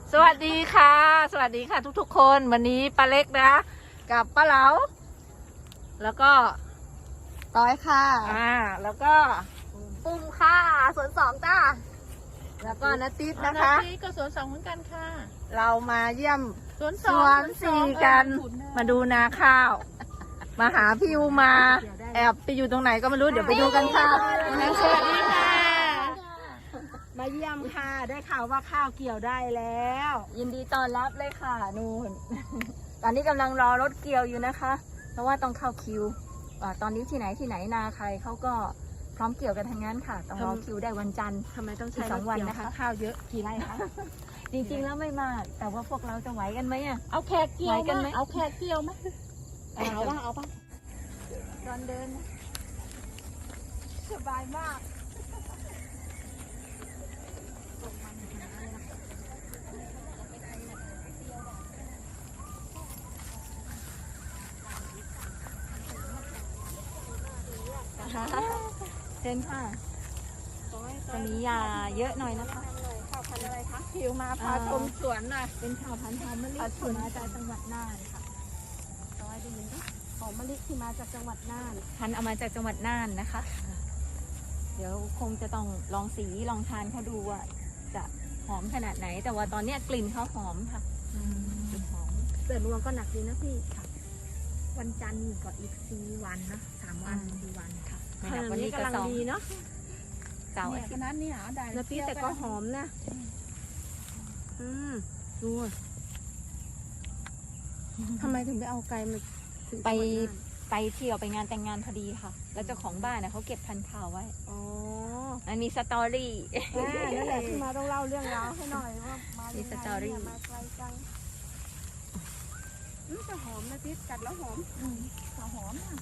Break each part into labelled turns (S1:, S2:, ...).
S1: สวัสดีค่ะสวัสดีค่ะทุกๆคนวันนี้ป้าเล็กนะกับป้าเหลาแล้วก็
S2: ต้อยค่ะ
S1: แล้วก็ปุ้มค่ะสวนสองจ้าแล้วก็นัตติดนะคะ
S3: นัตติดก็สวนสองเหมือนกันค่ะ
S1: เรามาเยี่ยม
S3: สวน
S1: สวนสี่กันมาดูนาข้าวมาหาพี่อูมาแอบไปอยู่ตรงไหนก็ไม่รู้เดี๋ยวไปดูกันค่ะ
S3: สวัสดีค่ะ
S2: มาเยี่ยมค่ะได้ข่าวว่าข้าวเกี่ยวได้แล้ว
S1: ยินดีต้อนรับเลยค่ะนู่น ตอนนี้กำลังรอรถเกี่ยวอยู่นะคะเพราะว่าต้องเข้าคิวตอนนี้ที่ไหนนาใครเขาก็พร้อมเกี่ยวกันทั้งนั้นค่ะต้องรอคิวได้วันจันทร์
S2: ทำไมต้องใช้
S1: 2 วันนะคะ
S2: ข้าวเยอะกี่ไร่คะ
S1: จริงๆแล้วไม่มากแต่ว่าพวกเราจะไหวกันไหมอ่ะ
S3: เอาแขกเกี่ยว
S1: ไหวกันไหม
S3: เอาแขกเกี่ยวไหม
S2: เอาป่ะ
S1: ตอนเดิน
S2: สบายมาก
S1: เชิญค่ะจะมียาเยอะหน่อยนะคะ
S2: ข้าวพันธุ์อะไรคะผิวมาพาชมสวนหน่อยเป็นข้าวพันธุ์หอมมะลิที่มาจากจังหวัดน่านค่ะต้อยได้ยินไหมหอมมะลิที่มาจากจังหวัดน่าน
S1: พันธุ์เอามาจากจังหวัดน่านนะคะเดี๋ยวคงจะต้องลองสีลองทานเขาดูว่าจะหอมขนาดไหน แต่ว่าตอนนี้กลิ่นเขาหอมค่ะกลิ่นหอม
S2: เสือรวงก็หนักดีนะพี่ค่ะวันจันทร์ก็อีก4 วันนะ3 วัน4 วันค่ะ
S1: วันนี้ก็2
S2: ดีเนาะ
S1: เสาร์อา
S3: เนี่ย
S1: ทิ
S3: ข
S1: ตย์
S3: นาดนี้เหรอได้
S2: แล้วพี่แต่ก็หอมนะดูทำไมถึงไปเอาไก่มาถึง
S1: ไปเที่ยวไปงานแต่งงานพอดีค่ะ แล้วเจ้าของบ้านเขาเก็บพันธุ์ข้าวไว้
S2: อ๋อ
S1: มันมีสตอรี่
S2: นั่นแหละที่มาต้องเล่าเรื่องราวให้หน่อยว่ามา
S1: มีสตอรี่
S2: มาไกลจังจะหอมนะพี่กัดแล้วหอมหอมนะ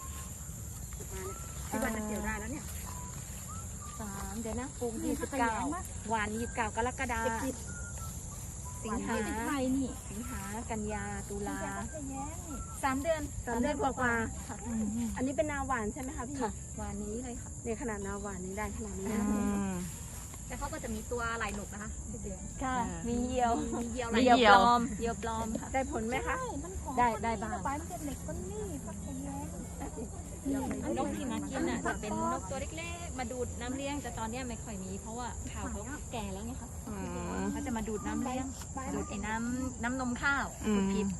S2: ที่วันจะเกี่ยวได้แล้วเนี่ย
S1: เดี๋ยวนะปลูก29วัน29 กรกฎาคมสิงหา
S3: ไทยนี่
S1: สิงหากันยาตุลา3 เดือน
S2: 3 เดือนกว่าอันนี้เป็นนาหวานใช่ไหมคะพี่
S1: ค่ะวันนี้เลยค่ะ
S2: เนี่ยขนาดนาหวานนี้ได้ขนาดนี้นะ
S3: แล้วเขาก็จะมีตัวไหลหนุกนะคะเดือน
S1: ค่ะมีเหยี่ยว
S3: มีเหยี่ยว
S1: เหยี่ยวปลอมเหยี่ยวปลอมค่ะ
S2: ได้ผลไหมคะ
S1: ได้บ้าง
S3: ไปมันจะเหล็กก้นนี่พักแข็งแรง
S1: นกที่มากินอ่ะจะเป็นนกตัวเล็กๆมาดูดน้ำเลี้ยงแต่ตอนนี้ไม่ค่อยมีเพราะว่าข้าวเขาแก่แล้วไงคะเขาจะมาดูดน้ำเลี้ยงดูดไอ้น้ำนมข้าวดูดพิษ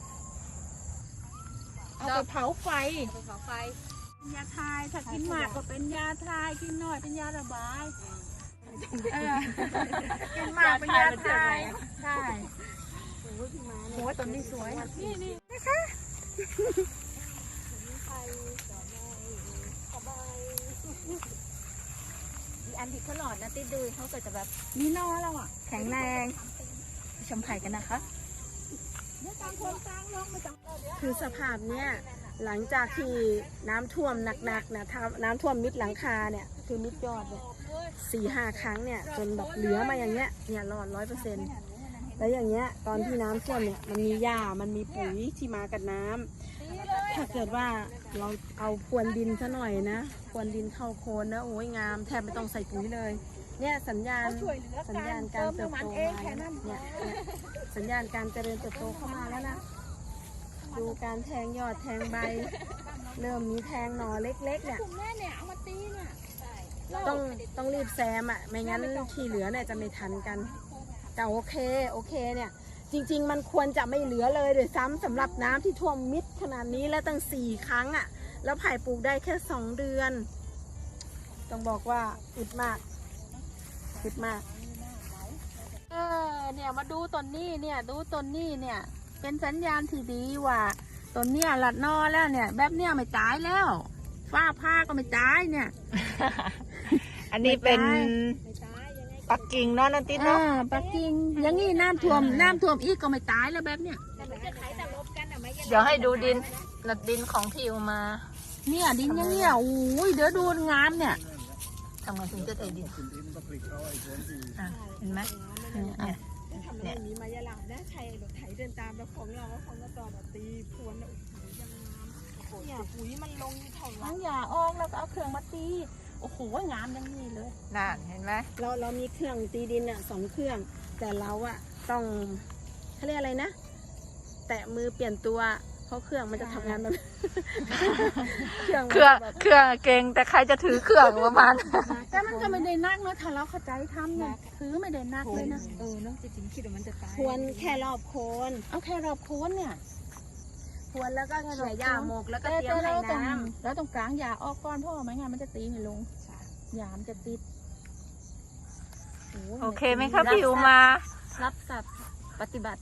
S3: เอาไปเผาไฟ
S1: เผาไฟ
S3: ยาทายถ้ากินมากก็เป็นยาทายกินน้อยเป็นยาระบาย
S2: กินมากเป็นยาทาย
S3: ใช่
S2: โอ้ยต้นนี้สวย
S3: นี่
S1: อีอันที่เขาหลอดนะติดดูเขาก็จะแบบ
S3: มีนอแล้วอ่ะ
S1: แข็งแรงชมไข่กันนะคะ
S2: คือสภาพเนี้ยหลังจากที่น้ำท่วมหนักๆนะน้ำท่วมมิดหลังคาเนี่ยคือมิดยอดเนี่ย4-5 ครั้งเนี่ยจนแบบเหลือมาอย่างเงี้ยเนี่ยรอด100%แล้วอย่างเงี้ยตอนที่น้ำท่วมเนี่ยมันมีหญ้ามันมีปุ๋ยที่มากับน้ำถ้าเกิดว่าเราเอาพรวนดินซะหน่อยนะพรวนดินเข้าโคนนะโอ้ยงามแทบไม่ต้องใส่ปุ๋ยเลยเนี่ยสัญญาณการเติบโตมาเนี่ยสัญญาณการเจริญเติบโตเข้ามาแล้วนะดูการแทงยอดแทงใบเริ่มมีแทงหน่อเล็กๆเนี่ย
S3: แม่เนี่ยเอามาตีเนี่ย
S2: ต้องรีบแซมอ่ะไม่งั้นที่เหลือเนี่ยจะไม่ทันกันแต่โอเคเนี่ยจริงๆมันควรจะไม่เหลือเลยโดยซ้ำสำหรับน้ำที่ท่วมมิดขนาดนี้แล้วตั้ง4 ครั้งอ่ะแล้วไผ่ปลูกได้แค่2 เดือนต้องบอกว่าอึดมาก
S3: เนี่ยมาดูต้นนี้เนี่ยดูต้นนี้เนี่ยเป็นสัญญาณที่ดีว่าต้นเนี่ยหลัดนอแล้วเนี่ยแบบเนี้ยไม่ตายแล้วฟ้าผ้าก็ไม่ตายเนี่ย
S1: อันนี้เป็นปักกิ่งเนาะนันติดเนาะ
S3: ปักกิ่งอย่างงี้น้ำท่วมอีกก็ไม่ตายแล้วแบบเนี้ย
S1: เดี๋ยวให้ดูดินของพี่อูมา
S3: เนี่ยดินอย่างเงี้ยโอ้ยเดี๋ยวดูงามเนี่ย
S1: ทำไงถึงจะได้ดินเห็นไหมเนี่ย
S2: ทำแบบนี้มายาลานะใครแบบไถเดินตามแล้วของเราแล้วของก็ต่อแบบตีพรวนแล้วยังงามเนี่ยปุ๋ยมันลงเท่าไหร่
S3: ทั้งหญ้าออกแล้วก็เอาเครื่องมาตีโอ้โหงามอย่างนี้เลย
S1: นั่นเห็นไหม
S2: เรามีเครื่องตีดินอ่ะ2 เครื่องแต่เราอะต้องเขาเรียกอะไรนะ แตะมือเปลี่ยนตัวเพราะเครื่องมันจะทำงานแบบ เครื่อง
S3: เครื่องเก่งแต่ใครจะถือเครื่องประมาณ แต่มันก็ไม่ได้นักนะถ้าเราเข้าใจทำเนี่ยถือไม่ได้นักเลยนะ
S1: เนาะจริงๆคิดว่ามันจะตาย
S2: ควรแค่รอบโคน
S3: เอาแค่รอบโคนเนี่ย
S2: ควรแล้วก็เขี่ยหญ้าหมกแล้วก็เตรียมให้น้ำ
S3: แล้วตรงกลางหญ้าออกก่อนเพราะว่าไม่งั้นมันจะตีไม่ลงหญ้ามันจะติด โอเคไหมคะพี่อุมา
S1: รับสับปฏิบัติ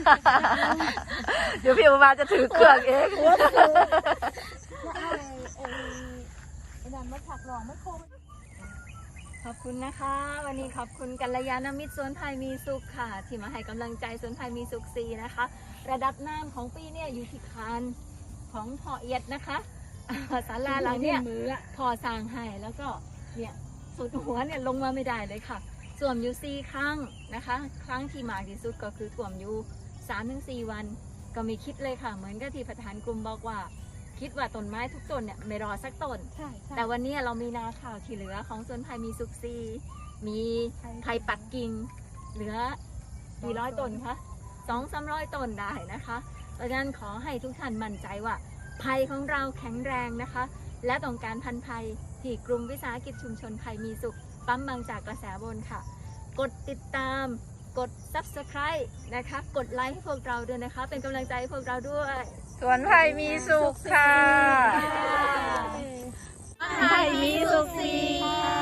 S3: เดี๋ยวพี่อุมาจะถือเครื่องเอง
S1: ขอบคุณนะคะ วันนี้ขอบคุณกัลยาณมิตรสวนไผ่มีสุขค่ะ ที่มาให้กำลังใจสวนไผ่มีสุขซีนะคะ ระดับน้ำของปีเนี่ยอยู่ที่คานของพ่อเอียดนะคะศาลาหลังเนี่ยพ่อสร้างให้แล้วก็เนี่ยสุดหัวเนี่ยลงมาไม่ได้เลยค่ะท่วมอยู่4 ครั้งนะคะ ครั้งที่มากที่สุดก็คือท่วมอยู่3-4 วัน ก็ไม่คิดเลยค่ะ เหมือนกับที่ประธานกลุ่มบอกว่า คิดว่าต้นไม้ทุกต้นเนี่ยไม่รอสักต้น
S3: ใช่
S1: แต่วันนี้เรามีนาข่าวที่เหลือของสวนไผ่มีสุขซีมีไผ่ปักกิ่งเหลือกี่ร้อยต้นคะ200-300 ต้นได้นะคะเพราะฉะนั้นขอให้ทุกท่านมั่นใจว่าไผ่ของเราแข็งแรงนะคะ และต้องการพันธุ์ไผ่ที่กลุ่มวิสาหกิจชุมชนไผ่มีสุขปั๊มบางจากกระแสบนค่ะ กดติดตามกด subscribe นะคะกดไลค์ให้พวกเราด้วยนะคะ เป็นกำลังใจให้พวกเราด้วย
S3: สวนไผ่มีสุขค่ะ ไผ่มีสุขสี
S1: ค่ะ